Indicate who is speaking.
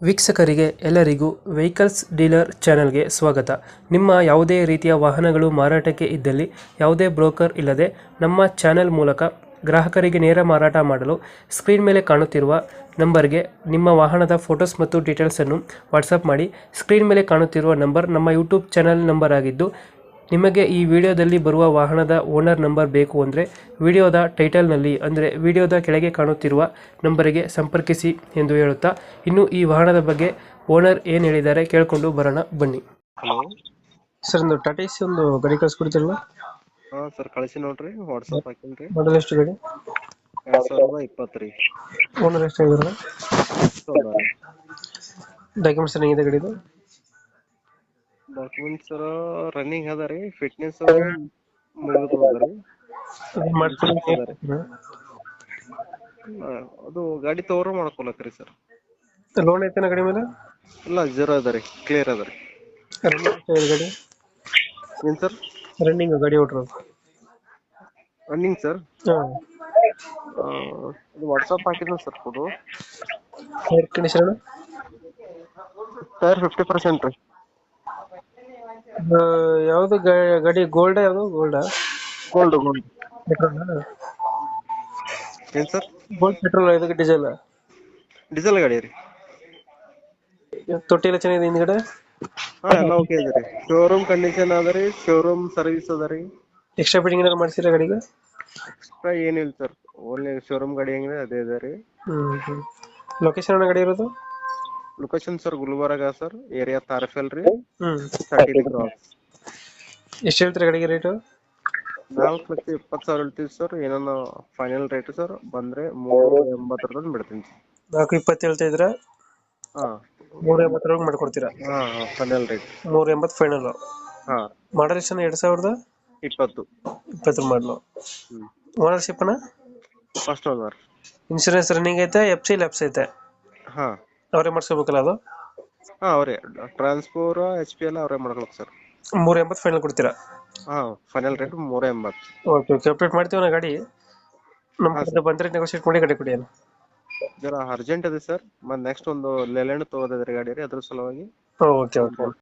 Speaker 1: ವೀಕ್ಷಕರಿಗೆ ಎಲ್ಲರಿಗೂ vehicles dealer ಚಾನೆಲ್ಗೆ ಸ್ವಾಗತ. ನಿಮ್ಮ ಯಾವುದೇ ರೀತಿಯ ವಾಹನಗಳು ಮಾರಾಟಕ್ಕೆ ಇದ್ದಲ್ಲಿ ಯಾವುದೇ ಬ್ರೋಕರ್ ಇಲ್ಲದೆ ನಮ್ಮ ಚಾನೆಲ್ ಮೂಲಕ ಗ್ರಾಹಕರಿಗೆ ನೇರ ಮಾರಾಟ ಮಾಡಲು ಸ್ಕ್ರೀನ್ ಮೇಲೆ ಕಾಣುತ್ತಿರುವ ನಂಬರ್ಗೆ ನಿಮ್ಮ ವಾಹನದ ಫೋಟೋಸ್ ಮತ್ತು ಡೀಟೇಲ್ಸನ್ನು ವಾಟ್ಸಪ್ ಮಾಡಿ. ಸ್ಕ್ರೀನ್ ಮೇಲೆ ಕಾಣುತ್ತಿರುವ ನಂಬರ್ ನಮ್ಮ ಯೂಟ್ಯೂಬ್ ಚಾನೆಲ್ ನಂಬರ್ ಆಗಿದ್ದು, ನಿಮಗೆ ಈ ವಿಡಿಯೋದಲ್ಲಿ ಬರುವ ವಾಹನದ ಓನರ್ ನಂಬರ್ ಬೇಕು ಅಂದರೆ ವಿಡಿಯೋದ ಟೈಟಲ್ನಲ್ಲಿ ಅಂದರೆ ವಿಡಿಯೋದ ಕೆಳಗೆ ಕಾಣುತ್ತಿರುವ ನಂಬರಿಗೆ ಸಂಪರ್ಕಿಸಿ ಎಂದು ಹೇಳುತ್ತಾ, ಇನ್ನು ಈ ವಾಹನದ ಬಗ್ಗೆ ಓನರ್ ಏನು ಹೇಳಿದ್ದಾರೆ ಕೇಳಿಕೊಂಡು ಬರೋಣ ಬನ್ನಿ.
Speaker 2: ಹಲೋ
Speaker 1: ಸರ್, ಒಂದು ಟಾಟಾ ಎಸಿ ಒಂದು ಗಾಡಿ ಕಳಿಸ್ಕೊಡ್ತಿರಲ್ಲ?
Speaker 2: ಹಾ ಸರ್, ಕಳಿಸಿ ನೋಡ್ರಿ, ವಾಟ್ಸಪ್ ಹಾಕಿನ್ರಿ.
Speaker 1: ಮಾಡಲ್ ಎಷ್ಟು ಗಾಡಿ?
Speaker 2: 2020 ರೀ.
Speaker 1: ಓನರ್ ಎಷ್ಟು ಆಗಿದಾರೆ? ಡಾಕ್ಯುಮೆಂಟ್ಸ್ ಏನಿದೆ ಗಾಡಿದು?
Speaker 2: ಡಾಕ್ಯುಮೆಂಟ್ಸ್ ರನ್ನಿಂಗ್ ಅದ ರೀ, ಫಿಟ್ನೆಸ್ ಮುಗಿದು ಅದ ರೀ. ಅದು ಗಾಡಿ ತಗೋರ ಮಾಡ್ಕೊಳಕ್ರಿ ಸರ್.
Speaker 1: ಲೋನ್ ಐತೆನ ಗಾಡಿ ಮೇಲೆ?
Speaker 2: ಇಲ್ಲ, ಜೀರೋ ಅದ ರೀ, ಕ್ಲಿಯರ್ ಅದ ರೀ.
Speaker 1: ಗಾಡಿ
Speaker 2: ಏನ್ ಸರ್?
Speaker 1: ರನ್ನಿಂಗ್ ಗಾಡಿ ಹೊಡ್ರು
Speaker 2: ರನ್ನಿಂಗ್ ಸರ್, ಅದು ವಾಟ್ಸಪ್ ಹಾಕಿದ್ನ sir photo.
Speaker 1: Air condition
Speaker 2: tyre 50% ರೀ.
Speaker 1: ಯಾವ್ದು ಗಾಡಿ? ಗೋಲ್ಡ್? ಯಾವ್ದು ಗೋಲ್ಡ್?
Speaker 2: Gold
Speaker 1: petrol?
Speaker 2: ಏನ್ ಸರ್?
Speaker 1: Gold petrol? ಇದಕ್ಕೆ ಡೀಸೆಲ್?
Speaker 2: ಡೀಸೆಲ್ ಗಾಡಿ ರೀ.
Speaker 1: ತೊಟ್ಟಿ ಎಲ್ಲ ಚೆನ್ನಾಗಿದೆ ಹಿಂದ್ಗಡೆ?
Speaker 2: ಹಾ, ಎಲ್ಲ ಓಕೆ ಇದೆ ರೀ. ಶೋರೂಮ್ ಕಂಡೀಷನ್ ಅದ ರೀ, ಶೋರೂಮ್ ಸರ್ವಿಸ್ ಅದ ರೀ.
Speaker 1: ಎಕ್ಸ್ಟ್ರಾ ಫಿಟ್ಟಿಂಗ್ ಏನಾದ್ರು ಮಾಡ್ಸಿರ ಗಾಡಿಗೆ?
Speaker 2: ಎಕ್ಸ್ಟ್ರಾ ಏನಿಲ್ಲ ಸರ್, ಓನ್ಲಿ ಶೋರೂಮ್ ಗಾಡಿ ಹೆಂಗಿದೆ ಅದೇ ಇದೆ ರೀ.
Speaker 1: ಲೊಕೇಶನ್ ಗಾಡಿ ಇರೋದು?
Speaker 2: Location sir Gulbarga sir, area ತಾರಫೆಲ್ ರೀ.
Speaker 1: 30
Speaker 2: ಕ್ರಾಸ್.
Speaker 1: ಎಷ್ಟು ಹೇಳ್ತೀರಾ ಗಾಡಿಗೆ ರೇಟು?
Speaker 2: 4,20,000 ಹೇಳ್ತೀವಿ ಸರ್. ಏನೋ ಫೈನಲ್ ರೇಟ್ ಸರ್ ಬಂದ್ರೆ 3,80 ಬಿಡ್ತೀನಿ ಸರ್.
Speaker 1: 4,20 ಹೇಳ್ತಾ ಇದ್ರ?
Speaker 2: ಹಾ,
Speaker 1: 3,80 ಮಾಡ್ಕೊಡ್ತೀರಾ?
Speaker 2: ಹಾ, ಫೈನಲ್ ರೇಟ್
Speaker 1: 3,80 ಫೈನಲ್.
Speaker 2: ಹಾ.
Speaker 1: ಮಾಡಲ್ ಎಷ್ಟು? 2020 ಮಾಡಲು. ಓನರ್ಶಿಪ್ ಅಣ್ಣ?
Speaker 2: First owner.
Speaker 1: ಇನ್ಶೂರೆನ್ಸ್ ರನ್ನಿಂಗ್ ಐತೆ? FC ಲ್ಯಾಪ್ಸ್ ಐತೆ?
Speaker 2: ಹಾ,
Speaker 1: ಅವರೇ ಮಾಡಿಸ್ಕೋಬೇಕಲ್ಲ ಅದು?
Speaker 2: ಹಾ, ಅವರೇ ಟ್ರಾನ್ಸ್ಫೋರ್ HP ಎಲ್ಲ ಅವರೇ ಮಾಡ್ಕೊಳಕ್ ಸರ್.
Speaker 1: 3,80 ಫೈನಲ್ ಕೊಡ್ತೀರಾ?
Speaker 2: ಹಾ, ಫೈನಲ್ ರೇಟ್ 3,80.
Speaker 1: ಓಕೆ, ಅಪ್ಡೇಟ್ ಮಾಡ್ತೀವಿ ನಾ ಗಾಡಿ. ನಮ್ಮ ಕಡೆ ಬಂದರೆ ನೆಗೋಶಿಯೇಟ್ ಮಾಡಿ ಗಾಡಿ ಕೊಡಿ.
Speaker 2: ಜರ ಅರ್ಜೆಂಟ್ ಇದೆ ಸರ್, ಮತ್ತೆ ನೆಕ್ಸ್ಟ್ ಒಂದು ಲೆಲೆಂಡ್ ತಗೋದಿದ್ರಿ ಗಾಡಿ ರೀ, ಅದ್ರ ಸಲುವಾಗಿ.
Speaker 1: ಓಕೆ.